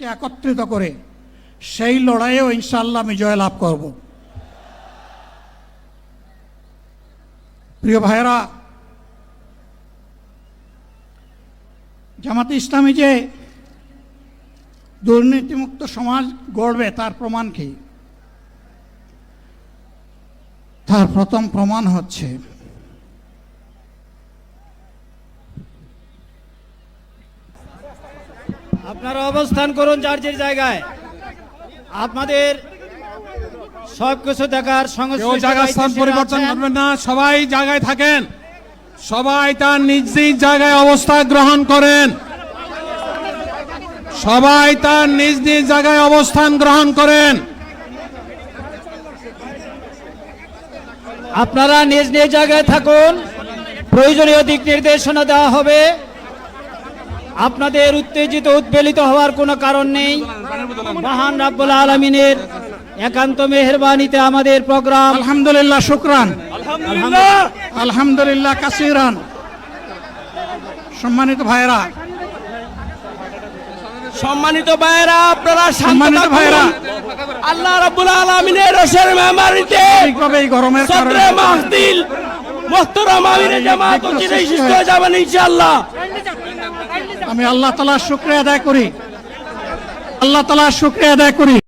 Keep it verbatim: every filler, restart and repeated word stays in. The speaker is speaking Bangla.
একত্রিত করে সেই লড়াইয়েও ইনশাআল্লাহ আমি জয়লাভ করব। প্রিয় ভাইয়েরা, জামাতে ইসলামী যে দুর্নীতিমুক্ত সমাজ গড়বে তার প্রমাণ কি? তার প্রথম প্রমাণ হচ্ছে আপনারা অবস্থান করুন যার যার জায়গায়। আপনাদের সবকিছু দেখার সংশ্লিষ্ট জায়গা স্থান পরিবর্তন করবেন না, সবাই জায়গায় থাকেন, সবাই তার নিজ নিজ জায়গায় অবস্থান গ্রহণ করেন, সবাই তার নিজ নিজ জায়গায় অবস্থান গ্রহণ করেন। আপনারা নিজ নিজ জায়গায় থাকুন, প্রয়োজনীয় দিক নির্দেশনা দেওয়া হবে। আপনাদের উত্তেজিত উদ্বেলিত হওয়ার কোনো কারণ নেই। মহান রাব্বুল আলামিনের একান্ত মেহেরবানিতে আমাদের প্রোগ্রাম আলহামদুলিল্লাহ, শুকরান, আলহামদুলিল্লাহ আলহামদুলিল্লাহ কাসিরান। সম্মানিত ভাইরা, সম্মানিত ভাইরা, আপনারা সম্মানিত ভাইরা, আল্লাহ রাব্বুল আলামিনের রোশের মেহমানিতে ঠিকভাবে এই গরমের সদরে কারণে মাহফিল মুহতারাম আমিরে জামাত চিরাই সৃষ্টি হয়ে যাবেন ইনশাআল্লাহ। আমি আল্লাহ তাআলার শুকরিয়া আদায় করি, আল্লাহ তাআলার শুকরিয়া আদায় করি।